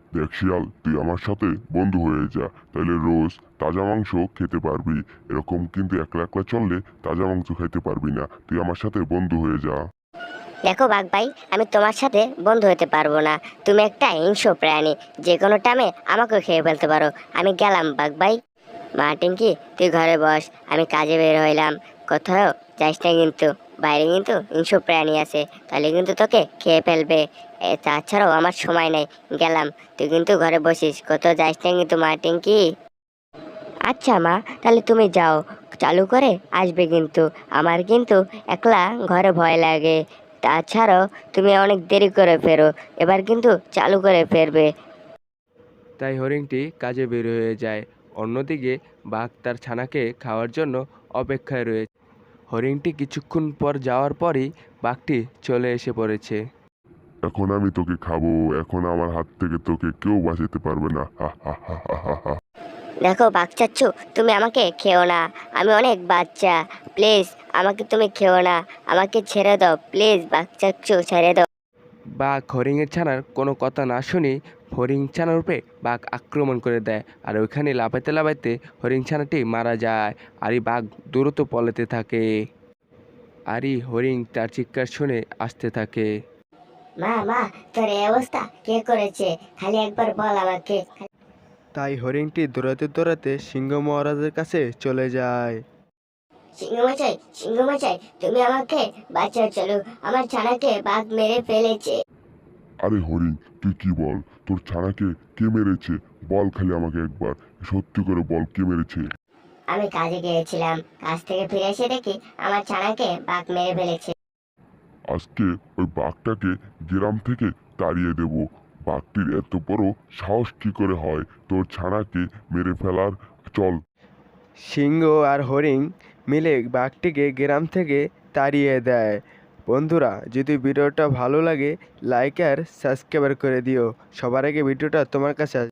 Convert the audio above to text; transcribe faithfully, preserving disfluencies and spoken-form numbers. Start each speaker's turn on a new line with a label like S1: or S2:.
S1: দেখ শিয়াল, তুই আমার সাথে বন্ধু হয়ে যা, তাহলে রোজ তাজা মাংস খেতে পারবি। এরকম কিন্তু একলা একলা চললে তাজা মাংস খাইতে পারবি না। তুই আমার সাথে বন্ধু হয়ে যা।
S2: দেখো বাঘ ভাই, আমি তোমার সাথে বন্ধু হতে পারবো না। তুমি একটা হিংস্র প্রাণী, যে কোনো টাইমে আমাকেও খেয়ে ফেলতে পারো। আমি গেলাম বাঘ ভাই। মা টিঙ্কি, তুই ঘরে বস, আমি কাজে বের হইলাম। কোথাও যাইস না কিন্তু, বাইরে কিন্তু হিংস্র প্রাণী আছে, তাহলে কিন্তু তোকে খেয়ে ফেলবে। এ তাছাড়াও আমার সময় নেই, গেলাম। তুই কিন্তু ঘরে বসিস, কোথাও যাইস না কিন্তু মা টিঙ্কি। আচ্ছা মা, তাহলে তুমি যাও, চালু করে আসবে কিন্তু। আমার কিন্তু একলা ঘরে ভয় লাগে। তাছাড়াও তুমি অনেক দেরি করে ফেরো, এবার কিন্তু চালু করে ফেরবে।
S3: তাই হরিণটি কাজে বের হয়ে যায়। অন্যদিকে বাঘ তার ছানাকে খাওয়ার জন্য অপেক্ষায় রয়েছে। হরিণটি কিছুক্ষণ পর যাওয়ার পরই বাঘটি চলে এসে পড়েছে।
S1: এখন আমি তোকে খাবো। এখন আমার হাত থেকে তোকে কেউ বাঁচাতে পারবে না। হা হা হা হা হা হা।
S2: দেখো বাচ্চাচ্ছু, তুমি আমাকে খেও না, আমি অনেক বাচ্চা। প্লিজ আমাকে তুমি খেও না, আমাকে ছেড়ে দাও প্লিজ, বাচ্চাচ্ছু ছেড়ে দাও।
S3: বাঘ হরিণের ছানার কোনো কথা না শুনে হরিণ ছানার উপরে বাঘ আক্রমণ করে দেয়। আর ওইখানে লাফাইতে লাফাইতে হরিণ ছানাটি মারা যায়। আর এই বাঘ দ্রুত পলাতে থাকে। আর এই হরিণ তার চিৎকার শুনে আসতে থাকে।
S2: মা মা, তোর এই অবস্থা কে করেছে? খালি একবার বল আমাকে।
S3: তাই হরিণটি দৌড়াতে দৌড়াতে সিংহ মহারাজের কাছে চলে যায়।
S2: সিংহমশাই, সিংহমশাই, তুমি আমাকে বাঁচাও, চলো, আমার ছানাকে বাঘ মেরে ফেলেছে।
S1: আরে হরিণ, তুই কি বল? তোর ছানাকে কে মেরেছে? বল খালি আমাকে একবার, সত্যি করে বল, কে মেরেছে?
S2: আমি কাজে গিয়েছিলাম, কাজ থেকে ফিরে এসে দেখি আমার ছানাকে বাঘ মেরে ফেলেছে।
S1: আজকে ওই বাঘটাকে গ্রাম থেকে তাড়িয়ে দেব। বাঘটির এত বড় সাহস কি করে হয় তোর ছানাকে মেরে ফেলার? চল।
S3: সিংহ আর হরিণ মিলে বাঘটিকে গ্রাম থেকে তাড়িয়ে দেয়। বন্ধুরা, যদি ভিডিওটা ভালো লাগে লাইক আর সাবস্ক্রাইব করে দিও। সবার আগে ভিডিওটা তোমার কাছে